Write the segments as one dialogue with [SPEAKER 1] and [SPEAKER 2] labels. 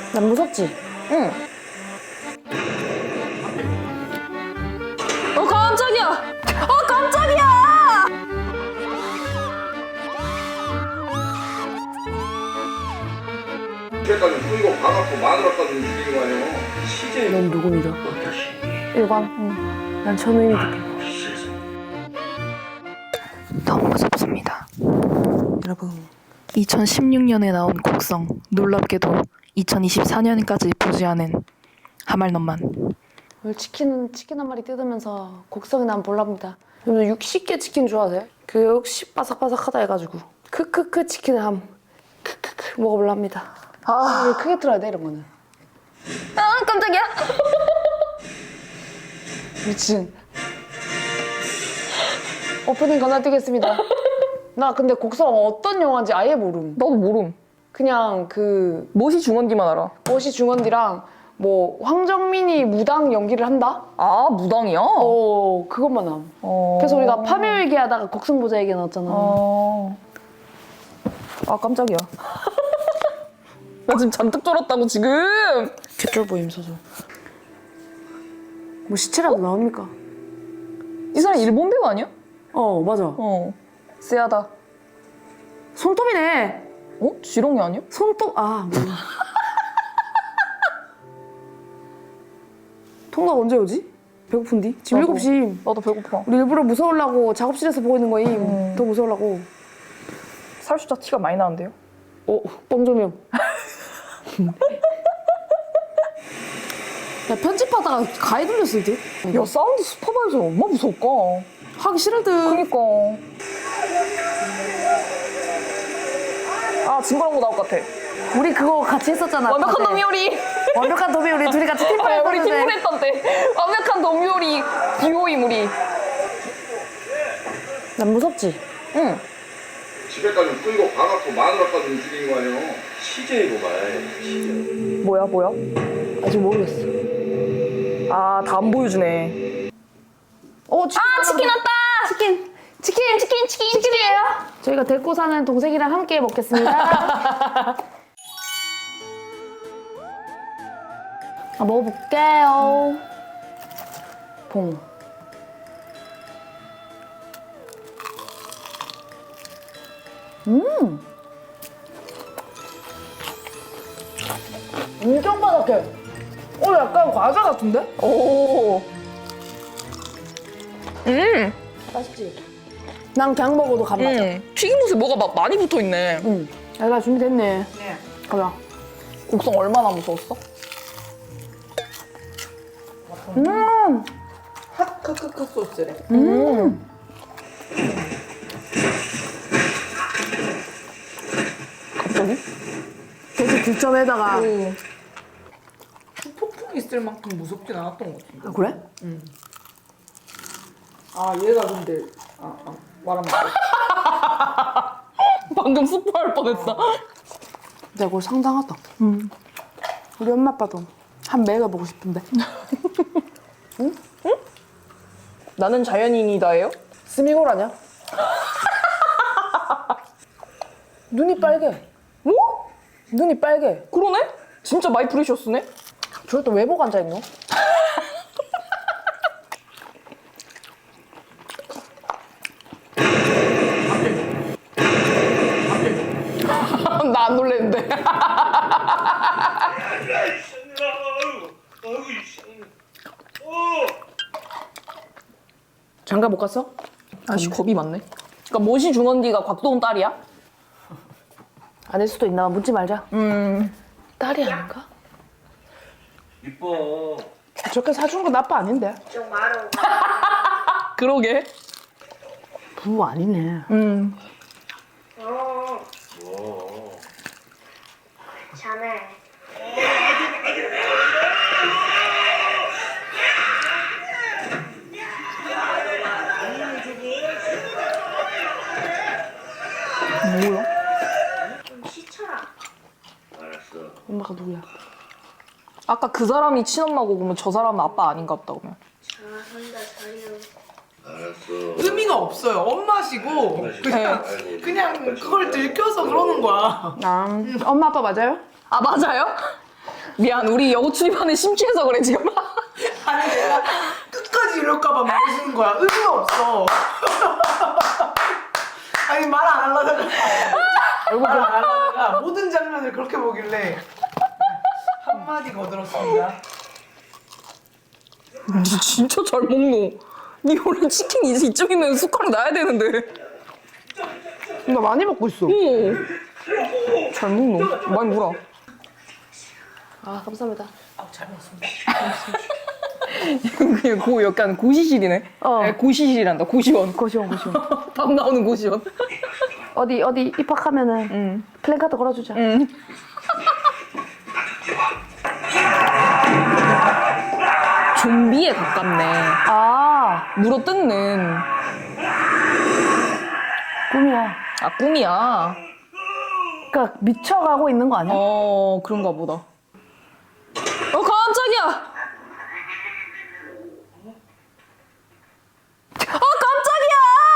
[SPEAKER 1] 난 무섭지?
[SPEAKER 2] 응. 깜짝이야! 깜짝이야!
[SPEAKER 3] 이때까지 뿌리고 봐갖고 마누라까지 움직이는 거 아니야? 시제.
[SPEAKER 1] 넌 누구 믿어? 일관? 응. 난 천우이 믿을게.
[SPEAKER 2] 너무 무섭습니다. 여러분, 2016년에 나온 곡성, 놀랍게도 2024년까지 부지하는 하말넘만.
[SPEAKER 1] 오늘 치킨 한 마리 뜯으면서 곡성이 난 볼랍니다. 여러분 60개 치킨 좋아하세요? 그 역시 바삭바삭하다 해가지고 크크크 치킨을 함 크크크 먹어볼랍니다. 아 크게 틀어야 돼 이런 거는.
[SPEAKER 2] 깜짝이야!
[SPEAKER 1] 미친. 오프닝 건너뛰겠습니다. 나 근데 곡성 어떤 영화인지 아예 모름.
[SPEAKER 2] 나도 모름.
[SPEAKER 1] 그냥 그
[SPEAKER 2] 못이 중원디만 알아.
[SPEAKER 1] 멋이 중원디랑 뭐 황정민이 무당 연기를 한다?
[SPEAKER 2] 아, 무당이야?
[SPEAKER 1] 그것만 함.
[SPEAKER 2] 어.
[SPEAKER 1] 그래서 우리가 파묘 얘기하다가 곡성 보자 얘기 나왔잖아.
[SPEAKER 2] 아, 깜짝이야. 나 지금 잔뜩 쫄았다고, 지금!
[SPEAKER 1] 개쫄 보임 서서. 뭐 시체라도 나옵니까?
[SPEAKER 2] 이 사람 일본 배우 아니야?
[SPEAKER 1] 맞아.
[SPEAKER 2] 쎄하다.
[SPEAKER 1] 손톱이네.
[SPEAKER 2] 지렁이 아니야?
[SPEAKER 1] 손톱 몰라. 통닭 언제 오지? 배고픈디? 지금
[SPEAKER 2] 나도.
[SPEAKER 1] 7시.
[SPEAKER 2] 나도 배고파.
[SPEAKER 1] 우리 일부러 무서우려고 작업실에서 보고 있는 거임. 더 무서우려고.
[SPEAKER 2] 살수자 티가 많이 나는데요?
[SPEAKER 1] 뻥조명. 야, 편집하다가 가위 돌렸을 듯?
[SPEAKER 2] 야, 사운드 슈퍼바이저 얼마나 무서울까?
[SPEAKER 1] 하기 싫을 듯.
[SPEAKER 2] 그니까. 아, 징그러운 거 나올 것 같아.
[SPEAKER 1] 우리 그거 같이 했었잖아.
[SPEAKER 2] 완벽한
[SPEAKER 1] 다들.
[SPEAKER 2] 도미요리.
[SPEAKER 1] 완벽한 도미 우리 둘이 같이 팀플
[SPEAKER 2] 아, 우리
[SPEAKER 1] 했었는데.
[SPEAKER 2] 팀플 했던데. 완벽한 도미요리 듀오임 우리.
[SPEAKER 1] 난 무섭지?
[SPEAKER 2] 응.
[SPEAKER 3] 집에까지 뿌리고 봐갖고 마누라까지 움직이는 거 아니야? 시제로 가야
[SPEAKER 2] 뭐야?
[SPEAKER 1] 아직 모르겠어.
[SPEAKER 2] 아, 다 안 보여주네. 치킨 왔다! 치킨이에요?
[SPEAKER 1] 저희가 데리고 사는 동생이랑 함께 먹겠습니다. 먹어볼게요. 봉. 엄청 바삭해. 약간 과자 같은데?
[SPEAKER 2] 오.
[SPEAKER 1] 맛있지? 난 그냥 먹어도 간 맛이야.
[SPEAKER 2] 튀김옷에 뭐가 많이 붙어 있네.
[SPEAKER 1] 야, 준비됐네.
[SPEAKER 2] 네.
[SPEAKER 1] 가자.
[SPEAKER 2] 곡성 얼마나 무서웠어?
[SPEAKER 4] 핫크크크 소스래.
[SPEAKER 2] 갑자기?
[SPEAKER 1] 돼지 뒷점에다가.
[SPEAKER 4] 폭풍 있을 만큼 무섭진 않았던 것 같은데.
[SPEAKER 1] 그래?
[SPEAKER 4] 얘가 근데 말하면 안 돼.
[SPEAKER 2] 방금 스포할 뻔했다.
[SPEAKER 1] 근데 이거 상당하다. 우리 엄마 아빠도 한 먹여보고 싶은데.
[SPEAKER 2] 나는 자연인이다예요?
[SPEAKER 1] 스미골 아니야? 눈이 빨개.
[SPEAKER 2] 뭐?
[SPEAKER 1] 눈이 빨개.
[SPEAKER 2] 그러네? 진짜 마이 프리셔스네?
[SPEAKER 1] 저럴 때 왜 보고 앉아있노?
[SPEAKER 2] 나 안 놀랬는데.
[SPEAKER 1] 장가 못 갔어?
[SPEAKER 2] 아씨, 겁이 많네. 그러니까 모시 중원디가 곽도훈 딸이야?
[SPEAKER 1] 아닐 수도 있나? 묻지 말자. 딸이 아닌가?
[SPEAKER 3] 이뻐.
[SPEAKER 1] 저렇게 사준 건 아빠 아닌데.
[SPEAKER 2] 그러게.
[SPEAKER 1] 부부 아니네.
[SPEAKER 5] 자네
[SPEAKER 1] 뭐야?
[SPEAKER 5] 좀 시쳐라.
[SPEAKER 3] 알았어.
[SPEAKER 1] 엄마가 누구야?
[SPEAKER 2] 아까 그 사람이 친엄마고 그러면 저 사람은 아빠 아닌가 보다 그러면.
[SPEAKER 5] 잘한다 잘해요.
[SPEAKER 3] 알았어.
[SPEAKER 4] 의미가 없어요. 엄마시고 그냥 그걸 들켜서 그러는 거야.
[SPEAKER 1] 엄마 아빠 맞아요?
[SPEAKER 2] 아, 맞아요? 미안, 우리 여고 출입하는 심취해서 그래 지금.
[SPEAKER 4] 아니 내가 끝까지 이럴까봐 말해주는 거야. 의미가 없어. 아니 말 안 하려다가 말 안 하려다가 모든 장면을 그렇게 보길래 한마디 거들었습니다.
[SPEAKER 2] 니 진짜 잘 먹노. 니 원래 치킨 이쯤이면 숟가락 놔야 되는데.
[SPEAKER 1] 나 많이 먹고 있어.
[SPEAKER 2] 오. 잘 먹노. 많이 물어.
[SPEAKER 1] 아 감사합니다.
[SPEAKER 4] 잘 먹었습니다.
[SPEAKER 2] 그냥 고 약간 고시실이네.
[SPEAKER 1] 어.
[SPEAKER 2] 네, 고시실이란다. 고시원.
[SPEAKER 1] 고시원.
[SPEAKER 2] 밥 나오는 고시원.
[SPEAKER 1] 어디 입학하면은 플랜카드 걸어주자.
[SPEAKER 2] 좀비에 가깝네.
[SPEAKER 1] 아
[SPEAKER 2] 물어 뜯는.
[SPEAKER 1] 꿈이야.
[SPEAKER 2] 아, 꿈이야.
[SPEAKER 1] 그러니까 미쳐가고 있는 거 아니야?
[SPEAKER 2] 그런가 보다. 깜짝이야! 깜짝이야!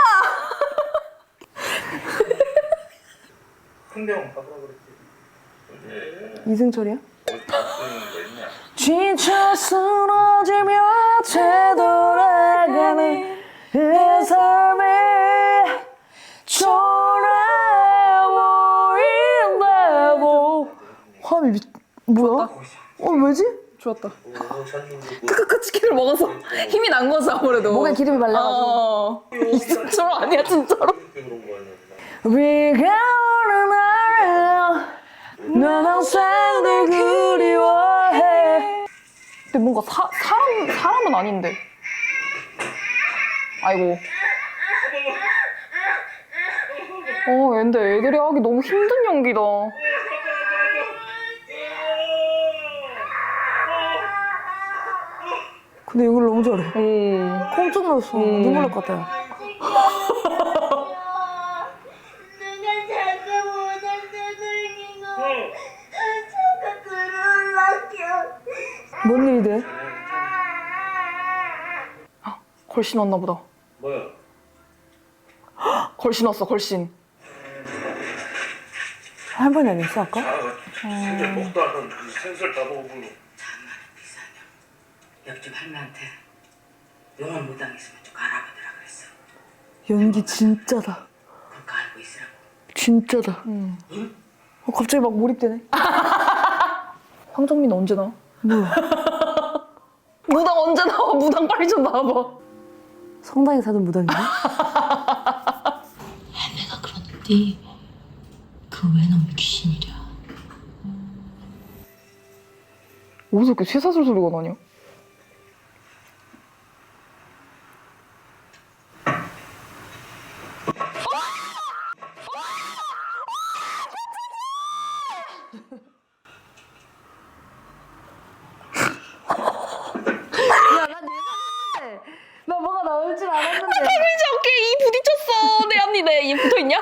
[SPEAKER 3] 풍경 가보라 그랬지.
[SPEAKER 1] 이승철이야?
[SPEAKER 3] 있냐?
[SPEAKER 1] 지쳐 쓰러지며 되돌아가는 내 삶에 초라보인다고. 화음이 뭐야? 왜지?
[SPEAKER 2] 좋았다. 크크크 치킨을 먹어서 힘이 난 거지 아무래도.
[SPEAKER 1] 목에 기름이 발라가지고.
[SPEAKER 2] 이승철 아니야 진짜로?
[SPEAKER 1] 비가 오는 날 난 항상 늘 그리워해.
[SPEAKER 2] 근데 뭔가 사람은 아닌데. 아이고. 근데 애들이 하기 너무 힘든 연기다.
[SPEAKER 1] 근데 이걸 너무 잘해.
[SPEAKER 2] 오.
[SPEAKER 1] 깜짝 놀랐어. 눈물 날 것 같아요.
[SPEAKER 5] 누가 자꾸 모자도 돌리고 자꾸 들어올라켜.
[SPEAKER 1] 뭔 일이 돼?
[SPEAKER 2] 걸신 왔나 보다.
[SPEAKER 3] 뭐야?
[SPEAKER 2] 걸신 왔어, 걸신.
[SPEAKER 1] 할머니 아니었어 아까?
[SPEAKER 3] 근데 먹도 안 하는 그 생설 다 먹어보고.
[SPEAKER 6] 옆집 할머니한테 영원 못 당했으면 좀 알아보더라 그랬어.
[SPEAKER 1] 연기 진짜다.
[SPEAKER 6] 그거 알고 있으라고.
[SPEAKER 1] 진짜다. 갑자기 막 몰입되네.
[SPEAKER 2] 황정민 언제 나와?
[SPEAKER 1] 뭐야?
[SPEAKER 2] 무당 언제 나와? 무당 빨리 좀 나와봐.
[SPEAKER 1] 성당에 사는 무당이네?
[SPEAKER 6] 내가 그런데 그 외놈 귀신이랴.
[SPEAKER 2] 어디서 이렇게 쇠사슬 소리가 나냐?
[SPEAKER 1] 나 뭐가 나올 줄 알았는데.
[SPEAKER 2] 이제 어깨에 이 부딪혔어. 내 앞니 내 붙어있냐?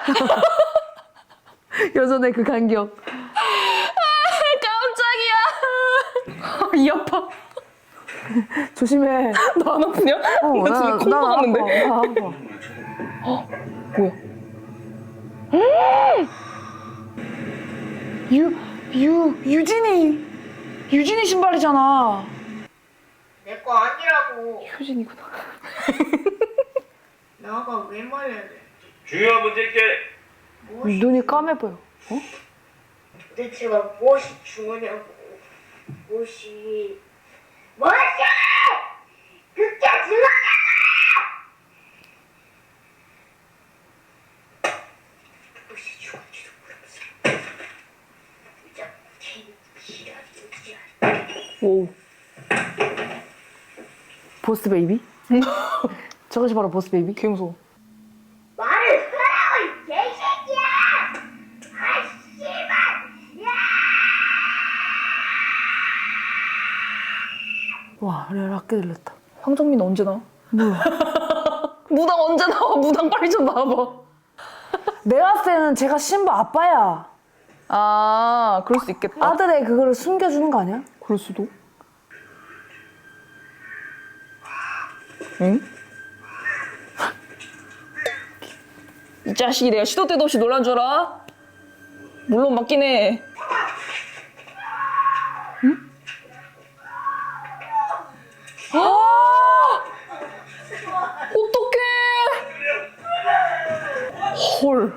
[SPEAKER 1] 여전의 그 간격.
[SPEAKER 2] 깜짝이야. 이 아파.
[SPEAKER 1] 조심해.
[SPEAKER 2] 나 안 아프냐? 나 지금 콩 박았는데.
[SPEAKER 1] 나 아파.
[SPEAKER 2] 뭐야?
[SPEAKER 1] 유진이 신발이잖아.
[SPEAKER 5] 내 거 아니라고.
[SPEAKER 1] 효진이구나.
[SPEAKER 5] 나가 왜 말해야 돼?
[SPEAKER 3] 중요한 문제인게
[SPEAKER 5] 무엇이,
[SPEAKER 1] 눈이 까매 보여.
[SPEAKER 5] 도대체가 무엇이 중요냐고. 무엇이 그게 중요하냐고. 무엇이 중요한지도 모르면서 부장 지랄이지.
[SPEAKER 2] 오.
[SPEAKER 1] 보스 베이비? 저것이 바로 보스 베이비?
[SPEAKER 2] 개 무서워.
[SPEAKER 5] 말을 하라고 이 개새끼야! 아 씨발! 야!
[SPEAKER 1] 와, 레알 아껴 들렸다.
[SPEAKER 2] 황정민 언제 나와?
[SPEAKER 1] 뭐야?
[SPEAKER 2] 무당 언제 나와? 무당 빨리 좀 나와봐.
[SPEAKER 1] 내가 봤을 때는 제가 신부 아빠야.
[SPEAKER 2] 아, 그럴 수 있겠다.
[SPEAKER 1] 아들의 그거를 숨겨주는 거 아니야?
[SPEAKER 2] 그럴 수도. 응? 이 자식이 내가 시도 때도 없이 놀란 줄 알아? 물론 맞긴 해. 어떡해! 헐.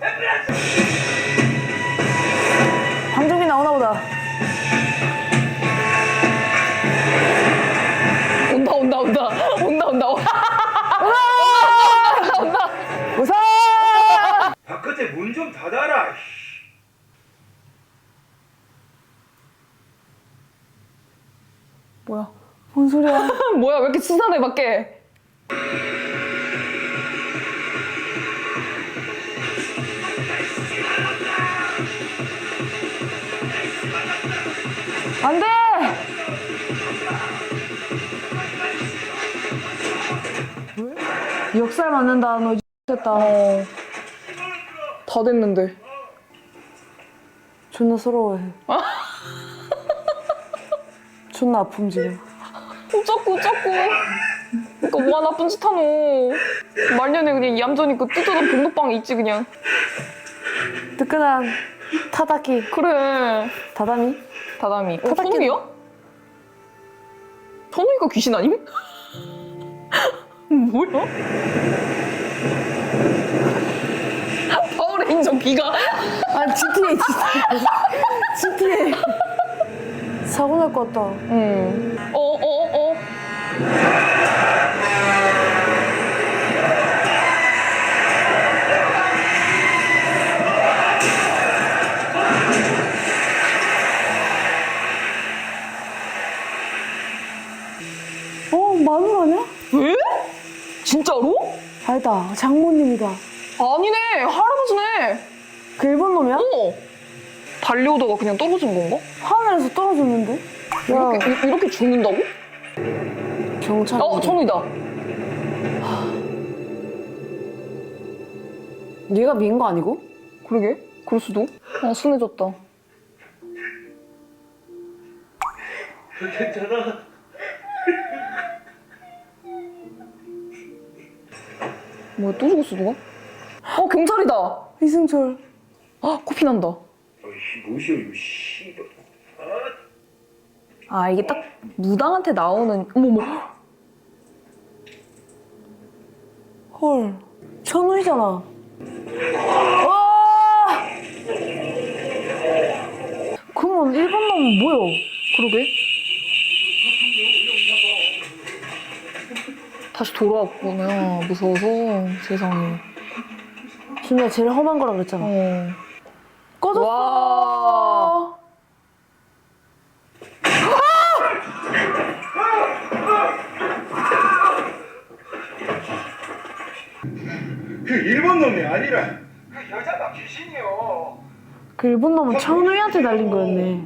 [SPEAKER 1] 방정비 나오나 보다.
[SPEAKER 2] 온다.
[SPEAKER 1] 웃어!
[SPEAKER 3] 바깥에 문 좀 닫아라.
[SPEAKER 2] 뭐야?
[SPEAKER 1] 뭔 소리야?
[SPEAKER 2] 뭐야, 왜 이렇게 수산해, 밖에?
[SPEAKER 1] 안 돼! 역살 맞는다. 너 됐다.
[SPEAKER 2] 다 됐는데.
[SPEAKER 1] 존나 서러워해. 존나 아픔 지금.
[SPEAKER 2] 어쩌고. 그니까 뭐가 나쁜 짓 하노. 말년에 그냥 얌전히 그 뜯어던 복록방에 있지, 그냥.
[SPEAKER 1] 뜨끈한 타다키.
[SPEAKER 2] 그래.
[SPEAKER 1] 다다미?
[SPEAKER 2] 다다미.
[SPEAKER 1] 타다키는-
[SPEAKER 2] 천우이야? 천우이가 귀신 아님? 뭐야? 파워레인저 귀가.
[SPEAKER 1] 아, GTA. GTA. 사고 날 것 같다.
[SPEAKER 2] 어.
[SPEAKER 1] 마늘 아니야?
[SPEAKER 2] 왜? 진짜로?
[SPEAKER 1] 아니다. 장모님이다.
[SPEAKER 2] 아니네. 할아버지네.
[SPEAKER 1] 그 일본 놈이야?
[SPEAKER 2] 달려오다가 그냥 떨어진 건가?
[SPEAKER 1] 하늘에서 떨어졌는데? 야,
[SPEAKER 2] 이렇게 죽는다고?
[SPEAKER 1] 경찰.
[SPEAKER 2] 천우이다.
[SPEAKER 1] 얘가 미인 거 아니고?
[SPEAKER 2] 그러게. 그럴 수도. 순해졌다.
[SPEAKER 3] 괜찮아.
[SPEAKER 2] 뭐야, 또 죽었어, 누가? 경찰이다.
[SPEAKER 1] 이승철.
[SPEAKER 2] 코피 난다.
[SPEAKER 3] 뭐시오 이거 씨발.
[SPEAKER 2] 이게 딱 무당한테 나오는. 어머머.
[SPEAKER 1] 헐. 천우이잖아. 와! 그러면 일본 놈은 뭐야?
[SPEAKER 2] 그러게. 다시 돌아왔구나. 무서워서. 세상에.
[SPEAKER 1] 준이가 제일 험한 거라 그랬잖아. 꺼졌어.
[SPEAKER 2] 와.
[SPEAKER 3] 그 일본 놈이 아니라 그 여자가 귀신이요.
[SPEAKER 1] 그 일본 놈은 천우이한테 날린 거였네.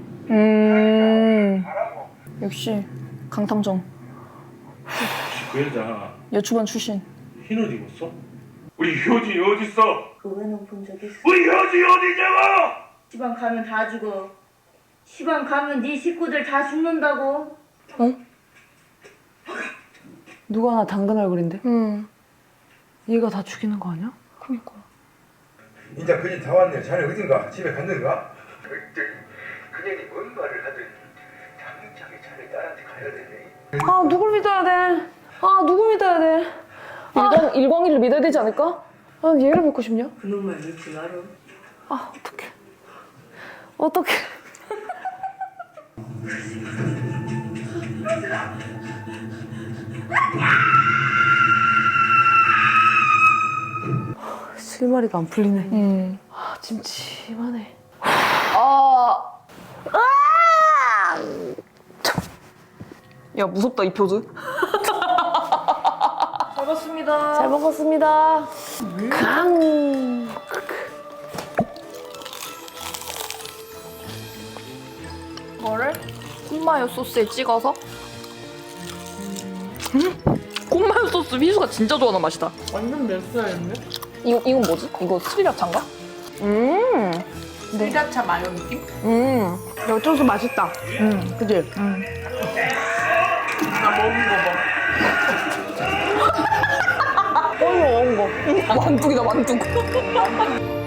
[SPEAKER 2] 역시 강탐정.
[SPEAKER 3] 그 여자
[SPEAKER 2] 여주반 출신.
[SPEAKER 3] 흰 옷 입었어? 우리 효진이 어딨어?
[SPEAKER 7] 그거는 본 적 있어.
[SPEAKER 3] 우리 효진이 어디냐고?
[SPEAKER 7] 시방 가면 다 죽어. 시방 가면 네 식구들 다 죽는다고.
[SPEAKER 1] 누가 하나 당근 얼굴인데?
[SPEAKER 2] 응.
[SPEAKER 1] 얘가 다 죽이는 거 아니야?
[SPEAKER 2] 그니까.
[SPEAKER 3] 이제 그 집 다 왔네. 자네 어딘가? 집에 갔는가? 그녀이 뭔 말을 하든 당장에 자네 딸한테 가야 되네.
[SPEAKER 1] 아, 누굴 믿어야 돼? 누구 믿어야 돼?
[SPEAKER 2] 일광이를 믿어야 되지 않을까?
[SPEAKER 1] 얘를 믿고 싶냐?
[SPEAKER 7] 그놈을 믿지 마라.
[SPEAKER 1] 어떡해. 실마리가 안 풀리네. 찜찜하네.
[SPEAKER 2] 야, 무섭다, 이 표즈.
[SPEAKER 1] 잘 먹었습니다. 강.
[SPEAKER 2] 이거를 콘마요 소스에 찍어서. 콘마요 소스 희수가 진짜 좋아하는 맛이다.
[SPEAKER 4] 완전 맵살인데?
[SPEAKER 2] 이건 뭐지? 이거 스리라차인가?
[SPEAKER 4] 스리라차 마요 느낌?
[SPEAKER 1] 어쩌서 맛있다. 그치?
[SPEAKER 4] 나 먹은 거 봐.
[SPEAKER 1] 먹은 거.
[SPEAKER 2] 만두기다, 만두.